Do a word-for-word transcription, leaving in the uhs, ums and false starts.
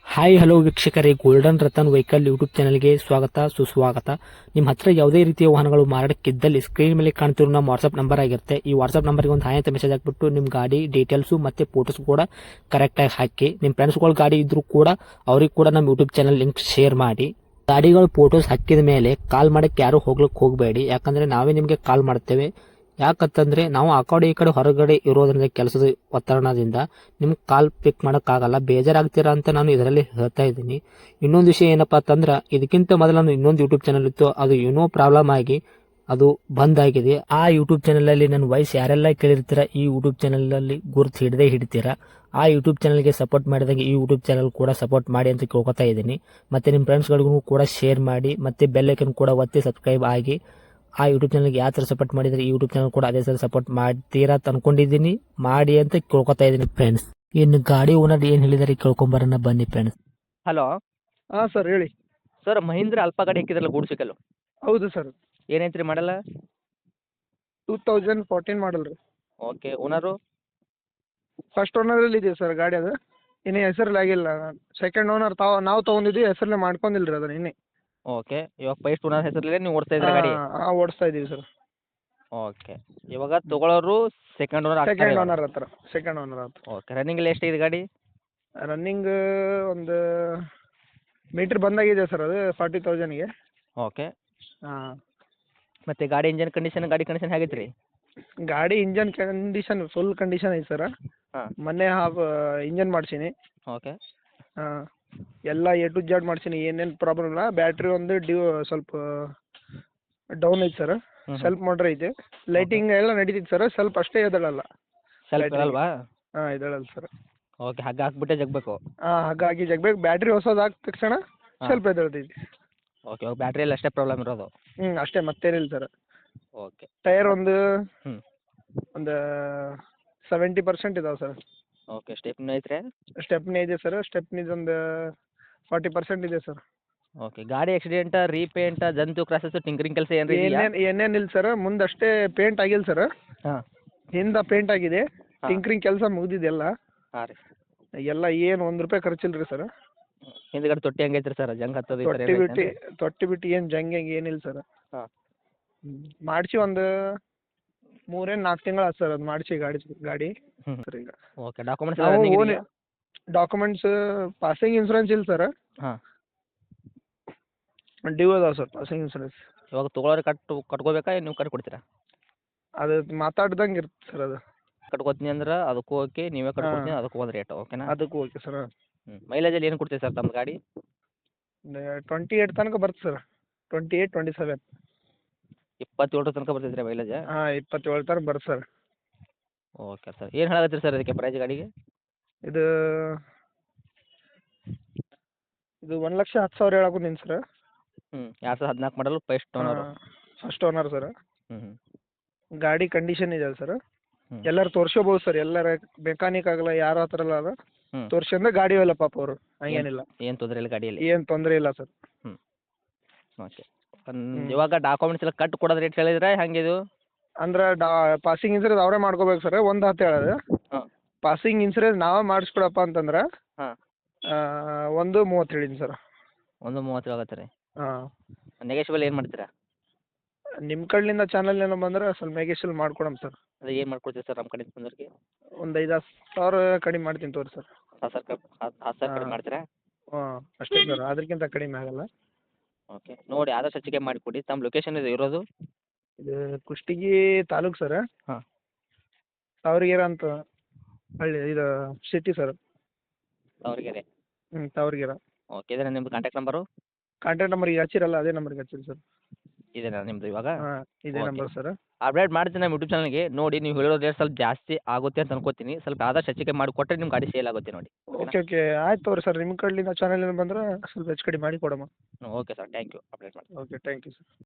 Hi hello ವೀಕ್ಷಕರೇ, golden Ratan vehicle YouTube ಚಾನಲ್ಗೆ ಸ್ವಾಗತ ಸುಸ್ವಾಗತ. ನಿಮ್ಮ ಹತ್ರ ಯಾವುದೇ ರೀತಿಯ ವಾಹನಗಳು ಮಾರಾಟಕ್ಕಿದ್ದಲ್ಲಿ ಸ್ಕ್ರೀನ್ ಮೇಲೆ ಕಾಣ್ತಿರೋ ನಮ್ಮ ವಾಟ್ಸ್ಆಪ್ ನಂಬರ್ ಆಗಿರುತ್ತೆ. ಈ ವಾಟ್ಸ್ಆಪ್ ನಂಬರ್ಗೆ ಒಂದು ಹಾಯ್ ಅಂತ ಮೆಸೇಜ್ ಹಾಕ್ಬಿಟ್ಟು ನಿಮ್ಮ ಗಾಡಿ ಡೀಟೇಲ್ಸು ಮತ್ತೆ ಫೋಟೋಸ್ ಕೂಡ ಕರೆಕ್ಟಾಗಿ ಹಾಕಿ. ನಿಮ್ಮ ಫ್ರೆಂಡ್ಸ್ಗಳ ಗಾಡಿ ಇದ್ರೂ ಕೂಡ ಅವ್ರಿಗೆ ಕೂಡ ನಮ್ಮ ಯೂಟ್ಯೂಬ್ ಚಾನಲ್ ಲಿಂಕ್ ಶೇರ್ ಮಾಡಿ. ಗಾಡಿಗಳು ಫೋಟೋಸ್ ಹಾಕಿದ ಮೇಲೆ ಕಾಲ್ ಮಾಡಕ್ಕೆ ಯಾರು ಹೋಗ್ಲಿಕ್ಕೆ ಹೋಗಬೇಡಿ, ಯಾಕಂದ್ರೆ ನಾವೇ ನಿಮಗೆ ಕಾಲ್ ಮಾಡ್ತೇವೆ. ಯಾಕಂತಂದ್ರೆ ನಾವು ಆ ಕಡೆ ಈ ಕಡೆ ಹೊರಗಡೆ ಇರೋದ್ರಿಂದ ಕೆಲಸದ ಒತ್ತಡದಿಂದ ನಿಮ್ಗೆ ಕಾಲ್ ಪಿಕ್ ಮಾಡೋಕ್ಕಾಗಲ್ಲ, ಬೇಜಾರಾಗ್ತೀರಾ ಅಂತ ನಾನು ಇದರಲ್ಲಿ ಹೇಳ್ತಾ ಇದ್ದೀನಿ. ಇನ್ನೊಂದು ವಿಷಯ ಏನಪ್ಪಾ ಅಂತಂದ್ರೆ, ಇದಕ್ಕಿಂತ ಮೊದಲು ನಾನು ಇನ್ನೊಂದು ಯೂಟ್ಯೂಬ್ ಚಾನಲ್ ಇತ್ತು, ಅದು ಏನೋ ಪ್ರಾಬ್ಲಮ್ ಆಗಿ ಅದು ಬಂದ್ ಆಗಿದೆ. ಆ ಯೂಟ್ಯೂಬ್ ಚಾನಲ್ ಅಲ್ಲಿ ನನ್ನ ವಾಯ್ಸ್ ಯಾರೆಲ್ಲ ಕೇಳಿರ್ತೀರಾ, ಈ ಯೂಟ್ಯೂಬ್ ಚಾನಲ್ ಅಲ್ಲಿ ಗುರುತು ಹಿಡದೆ ಹಿಡಿತೀರಾ. ಆ ಯೂಟ್ಯೂಬ್ ಚಾನಲ್ಗೆ ಸಪೋರ್ಟ್ ಮಾಡಿದಾಗ ಈ ಯೂಟ್ಯೂಬ್ ಚಾನಲ್ ಕೂಡ ಸಪೋರ್ಟ್ ಮಾಡಿ ಅಂತ ಕೇಳ್ಕೊತಾ ಇದ್ದೀನಿ. ಮತ್ತೆ ನಿಮ್ಮ ಫ್ರೆಂಡ್ಸ್ಗಳಿಗೂ ಕೂಡ ಶೇರ್ ಮಾಡಿ, ಮತ್ತೆ ಬೆಲ್ ಐಕನ್ ಕೂಡ ಒತ್ತಿ ಸಬ್ಸ್ಕ್ರೈಬ್ ಆಗಿ. ಆ ಯೂಟ್ಯೂಬ್ ಚಾನಲ್ಗೆ ಯಾವ ಥರ ಸಪೋರ್ಟ್ ಮಾಡಿದರೆ ಈ ಯೂಟ್ಯೂಬ್ ಚಾನಲ್ ಕೂಡ ಅದೇ ಥರ ಸಪೋರ್ಟ್ ಮಾಡ್ತೀರಾ ಅಂತ ಅನ್ಕೊಂಡಿದ್ದೀನಿ. ಮಾಡಿ ಅಂತ ಕೇಳ್ಕೊತಾ ಇದ್ದೀನಿ ಫ್ರೆಂಡ್ಸ್. ಇನ್ನು ಗಾಡಿ ಓನರ್ ಏನು ಹೇಳಿದಾರೆ ಕೇಳ್ಕೊಂಬರೋಣ ಬನ್ನಿ ಫ್ರೆಂಡ್ಸ್. ಹಲೋ ಹಾಂ ಸರ್ ಹೇಳಿ. ಸರ್, ಮಹೀಂದ್ರ ಅಲ್ಪ ಗಾಡಿ ಹಾಕಿದ್ರಲ್ಲ ಗೂಡ್ಸ್ ವೆಹಿಕಲ್ಲು, ಹೌದು ಸರ್. ಏನೈತ್ರಿ ಮಾಡಲ್ಲ? ಟೂ ತೌಸಂಡ್ ಫೋರ್ಟೀನ್ ಮಾಡಲ್ ರೀ. ಓಕೆ. ಓನರು? ಫಸ್ಟ್ ಓನರಲ್ಲಿ ಇದೆ ಸರ್ ಗಾಡಿ, ಅದು ಇನ್ನೇ ಹೆಸರಲ್ಲಿ ಆಗಿಲ್ಲ. ಸೆಕೆಂಡ್ ಓನರ್ ತಾವು ನಾವು ತೊಗೊಂಡಿದ್ವಿ, ಹೆಸರಲ್ಲೇ ಮಾಡ್ಕೊಂಡಿಲ್ಲ ರೀ ಅದನ್ನ ಇನ್ನೇ. ಓಕೆ. ಇವಾಗ ಫಸ್ಟ್ ಓನರ್ ಹೆಸರಲ್ಲಿ ನೀವು ಓಡಿಸ್ತಾ ಇದ್ದೀರಾ ಗಾಡಿ? ಹಾಂ ಓಡಿಸ್ತಾ ಇದ್ದೀವಿ ಸರ್. ಓಕೆ. ಇವಾಗ ತಗೊಳ್ಳೋರು ಸೆಕೆಂಡ್ ಓನರ್ ಸೆಕೆಂಡ್ ಓನರ್ ಹತ್ರ ಸೆಕೆಂಡ್ ಓನರ್ ಹತ್ರ ಓಕೆ. ರನ್ನಿಂಗ್ ಎಲ್ಲ ಎಷ್ಟಿದೆ ಗಾಡಿ? ರನ್ನಿಂಗ್ ಒಂದು ಮೀಟ್ರ್ ಬಂದಾಗಿದೆ ಸರ್, ಅದು ಫಾರ್ಟಿ ತೌಸಂಡ್ಗೆ. ಓಕೆ. ಹಾಂ. ಮತ್ತೆ ಗಾಡಿ ಇಂಜನ್ ಕಂಡೀಷನ್ ಗಾಡಿ ಕಂಡೀಷನ್ ಹೇಗೈತೆ ರೀ? ಗಾಡಿ ಇಂಜನ್ ಕಂಡೀಷನ್ ಫುಲ್ ಕಂಡೀಷನ್ ಐತೆ ಸರ್. ಹಾಂ. ಮೊನ್ನೆ ಹಾಫ್ ಇಂಜನ್ ಮಾಡ್ಸೀನಿ. ಓಕೆ. ಹಾಂ, ಎಲ್ಲ ಎ ಟು ಜೆಡ್ ಮಾಡ್ಸೀನಿ, ಏನೇನು ಪ್ರಾಬ್ಲಮ್ ಇಲ್ಲ. ಬ್ಯಾಟ್ರಿ ಒಂದು ಡ್ಯೂ ಸ್ವಲ್ಪ ಡೌನ್ ಐತೆ ಸರ್, ಸೆಲ್ಫ್ ಮೋಟ್ರ್ ಐತೆ. ಲೈಟಿಂಗ್ ಎಲ್ಲ ನಡೀತೈತೆ ಸರ್, ಸ್ವಲ್ಪ ಅಷ್ಟೇ ಎದಳಲ್ಲ. ಸ್ವಲ್ಪ ಅಲ್ವಾ? ಹಾಂ ಎದಳಲ್ಲ ಸರ್. ಓಕೆ. ಹಗ್ಗ ಹಾಕ್ಬಿಟ್ಟೆ ಜಗ್ಬೇಕು? ಹಾಂ, ಹಾಗಾಗಿ ಜಗ್ಬೇಕು. ಬ್ಯಾಟ್ರಿ ಹೊಸದು ಹಾಕಿದ ತಕ್ಷಣ ಸ್ವಲ್ಪ ಎದಳ್ತೈತಿ. ಓಕೆ. ಇವಾಗ ಬ್ಯಾಟ್ರಿಯಲ್ಲಿ ಅಷ್ಟೇ ಪ್ರಾಬ್ಲಮ್ ಇರೋದು? ಹ್ಞೂ ಅಷ್ಟೇ, ಮತ್ತೇನಿಲ್ಲ ಸರ್. ಓಕೆ. ಟೈರ್ ಒಂದು ಹ್ಞೂ ಒಂದು ಸೆವೆಂಟಿ ಪರ್ಸೆಂಟ್ ಇದಾವೆ ಸರ್. ಓಕೆ. ಸ್ಟೆಪ್ನಿ ಐತ್ರಿ? ಸ್ಟೆಪ್ನಿ ಇದೆ ಸರ್, ಸ್ಟೆಪ್ನಿದು ಒಂದು ಫಾರ್ಟಿ ಪರ್ಸೆಂಟ್ ಇದೆ ಸರ್. ಓಕೆ. ಗಾಡಿ ಆಕ್ಸಿಡೆಂಟ, ರೀಪೇಂಟ, ಜಂತು ಕ್ರಾಸಸ್, ಟಿಂಕರಿಂಗ್ ಕೆಲಸ ಏನ್ರಿ ಇದೆಯಾ? ಏನೇನು ಏನೇನಿಲ್ಲ ಸರ್, ಮುಂದಷ್ಟೇ ಪೇಂಟ್ ಆಗಿಲ್ಲ ಸರ್. ಹಾಂ. ಹಿಂದೆ ಪೇಂಟ್ ಆಗಿದೆ, ಟಿಂಕರಿಂಗ್ ಕೆಲಸ ಮುಗಿದಿದೆ ಎಲ್ಲ. ಹಾಂ ರೀ. ಎಲ್ಲ ಏನು ಒಂದು ರೂಪಾಯಿ ಖರ್ಚಿಲ್ಲ ರೀ ಸರ್. ಹಿಂದ್ಗಡೆ ತೊಟ್ಟಿ ಹೆಂಗೈತ್ರಿ ಸರ್? ಜಂಗ್ ಹತ್ತೋದು ಈ ಥರ ತೊಟ್ಟಿ ಏನ್ ಬಿಟ್ಟು ಐತೇನ್ರಿ? ತೊಟ್ಟಿ ಬಿಟ್ಟು ಏನು ಜಂಗ್ ಏನಿಲ್ಲ ಸರ್. ಹಾಂ. ಮಾಡಿಸಿ ಒಂದು ಮೂರೇನು ನಾಲ್ಕು ತಿಂಗಳು ಆಯ್ತು ಸರ್ ಅದು ಮಾಡಿಸಿ ಗಾಡಿ ಗಾಡಿ ಹ್ಞೂ. ಸರ್. ಈಗ ಓಕೆ. ಡಾಕ್ಯುಮೆಂಟ್ಸ್ ನಾವು ರನ್ನಿಂಗ್ ಓನ್ ಇದೆಯಾ? ಡಾಕ್ಯುಮೆಂಟ್ಸ್ ಪಾಸಿಂಗ್ ಇನ್ಸೂರೆನ್ಸ್ ಇಲ್ಲ ಸರ್, ಹಾಂ. ಡ್ಯೂ ಅದಾವೆ ಸರ್ ಪಾಸಿಂಗ್ ಇನ್ಸೂರೆನ್ಸ್. ಇವಾಗ ತೊಗೊಳೋರು ಕಟ್ಟು ಕಟ್ಕೋಬೇಕಾ, ಏನು ನೀವು ಕಟ್ಟಿ ಕೊಡ್ತೀರಾ? ಅದು ಮಾತಾಡ್ದಂಗೆ ಇರುತ್ತೆ ಸರ್ ಅದು. ಕಟ್ಕೋತೀನಿ ಅಂದ್ರೆ ಅದಕ್ಕೂ ಓಕೆ, ನೀವೇ ಕಟ್ಕೊಡ್ತೀನಿ ಅದಕ್ಕೂ ಒಂದು ರೇಟ್, ಓಕೆನಾ? ಅದಕ್ಕೂ ಓಕೆ ಸರ್. ಹ್ಞೂ. ಮೈಲೇಜಲ್ಲಿ ಏನು ಕೊಡ್ತೀವಿ ಸರ್ ತಮ್ಮ ಗಾಡಿ? ಟ್ವೆಂಟಿ ಏಯ್ಟ್ ತನಕ ಬರುತ್ತೆ sir, twenty eight twenty seven. ಇಪ್ಪತ್ತೇಳರ ತನಕ ಬರ್ತೈತೆ ರೀ ಮೈಲೇಜ್? ಹಾಂ ಇಪ್ಪತ್ತೇಳು ತನಕ ಬರುತ್ತೆ ಸರ್. Okay sir. ಏನು ಹೇಳಕತ್ತೀರಿ ಸರ್ ಅದಕ್ಕೆ ಪ್ರೈಸ್ ಗಾಡಿಗೆ? ಇದು ಇದು ಒಂದು ಲಕ್ಷ ಹತ್ತು ಸಾವಿರ ಹೇಳಾಕತ್ತೀನಿ ಸರ್. ಹ್ಞೂ. ಎರಡು ಸಾವಿರದ ಹದಿನಾಲ್ಕು ಮಾಡಲು first owner? First owner sir. ಹ್ಞೂ ಹ್ಞೂ. ಗಾಡಿ ಕಂಡೀಷನ್ ಇದೆ ಸರ್. ಹ್ಞೂ. ಎಲ್ಲರೂ ತೋರ್ಸ್ಕೋಬೋದು ಸರ್, ಎಲ್ಲರ ಮೆಕ್ಯಾನಿಕ್ ಆಗಲ್ಲ ಯಾರ ಹತ್ರ ಅಲ್ಲ ಹ್ಞೂ. ತೋರ್ಸ್ಕೊಂಡ್ರೆ ಗಾಡಿ ಅಲ್ಲ ಪಾಪ ಅವರು, ಹಂಗೇನಿಲ್ಲ, ಏನು ತೊಂದರೆ ಇಲ್ಲ ಗಾಡಿಯಲ್ಲಿ? ಏನು ತೊಂದರೆ ಇಲ್ಲ ಸರ್. ಹ್ಞೂ. ಓಕೆ. ಇವಾಗ ಡಾಕ್ಯುಮೆಂಟ್ಸ್ ಎಲ್ಲ ಕಟ್ಟು ಕೊಡೋದು ರೇಟ್ ಹೇಳಿದ್ರೆ ಹೆಂಗೆ ಇದು? ಅಂದ್ರೆ ಡಾ ಪಾಸಿಂಗ್ ಇನ್ಸೂರೆನ್ಸ್ ಅವರೇ ಮಾಡ್ಕೋಬೇಕು ಸರ್, ಒಂದು ಹತ್ತು ಹೇಳೋದು. ಹಾಂ. ಪಾಸಿಂಗ್ ಇನ್ಸೂರೆನ್ಸ್ ನಾವೇ ಮಾಡಿಸ್ಕೊಡಪ್ಪ ಅಂತಂದ್ರೆ ಹಾಂ. ಒಂದು ಮೂವತ್ತು ಹೇಳಿನಿ ಸರ್. ಒಂದು ಮೂವತ್ತು ಆಗತ್ತೆ ರೀ? ಹಾಂ. ನೆಗೆಶಿಬಲ್ ಏನು ಮಾಡ್ತೀರಾ? ನಿಮ್ಮ ಕಡೆಯಿಂದ ಚಾನಲ್ ಏನೋ ಬಂದ್ರೆ ಸ್ವಲ್ಪ ನೆಗೆಶಿಯಲ್ ಮಾಡ್ಕೊಡಮ್ ಸರ್. ಅದು ಏನು ಮಾಡ್ಕೊಡ್ತೀವಿ ಸರ್ ನಮ್ಮ ಕಡೆಯಿಂದ ಬಂದವ್ರಿಗೆ? ಒಂದು ಐದು ಹತ್ತು ಸಾವಿರ ಕಡಿಮೆ ಮಾಡ್ತೀನಿ ತೋರಿ ಸರ್. ಹತ್ತು ಸಾವಿರ ಕ ಹತ್ತು ಹತ್ತು ಸಾವಿರ ಕಡಿಮೆ ಮಾಡ್ತೀರಾ? ಹಾಂ ಅಷ್ಟೇ ಸರ್, ಅದಕ್ಕಿಂತ ಕಡಿಮೆ ಆಗಲ್ಲ. ಓಕೆ. ನೋಡಿ ಆದಷ್ಟು ಹೆಚ್ಚಿಗೆ ಮಾಡಿಕೊಡಿ. ತಮ್ಮ ಲೊಕೇಶನ್ ಇದು ಇರೋದು? ಇದು ಕುಷ್ಟಗಿ ತಾಲೂಕು ಸರ್. ಹಾಂ. ತಾವರಗೆರೆ ಅಂತ ಹಳ್ಳಿ, ಇದು ಸಿಟಿ ಸರ್. ತಾವರೆಗೆರೆ? ಹ್ಞೂ ತಾವರಗೆರೆ. ಓಕೆ. ಇದೇನಾ ನಿಮ್ಮದು ಕಾಂಟ್ಯಾಕ್ಟ್ ನಂಬರು? ಕಾಂಟ್ಯಾಕ್ಟ್ ನಂಬರ್ಗೆ ಹಚ್ಚಿರಲ್ಲ ಅದೇ ನಂಬರ್ಗೆ ಹಚ್ಚಿರಿ ಸರ್. ಇದೇನಾ ನಿಮ್ಮದು ಇವಾಗ? ಹಾಂ ಇದೇ ಓಕೆ. Number sir. ಅಪ್ಡೇಟ್ ಮಾಡ್ತೀನಿ ನಮ್ಮ ಯೂಟ್ಯೂಬ್ ಚಾನಲ್ಗೆ. ನೋಡಿ ನೀವು ಹೇಳಿರೋ ರೇಟ್ ಸ್ವಲ್ಪ ಜಾಸ್ತಿ ಆಗುತ್ತೆ ಅಂತ ಅನ್ಕೋತೀನಿ. ಸ್ವಲ್ಪ ಆದಷ್ಟು ಹೆಚ್ಚಿಗೆ ಮಾಡಿ ಕೊಟ್ಟರೆ ನಿಮ್ಮ ಗಾಡಿ ಸೇಲ್ ಆಗುತ್ತೆ ನೋಡಿ. ಓಕೆ ಓಕೆ ಆಯ್ತು ತಗೋರಿ ಸರ್, ನಿಮ್ಮ ಕಡೆಯಿಂದ ಚಾನಲ್ ಬಂದ್ರೆ ಸ್ವಲ್ಪ ಹೆಚ್ಚು ಕಡಿಮೆ ಮಾಡಿ ಕೊಡಮ್ಮ. Okay sir. Thank you. Update ಮಾಡಿ. Okay thank you sir.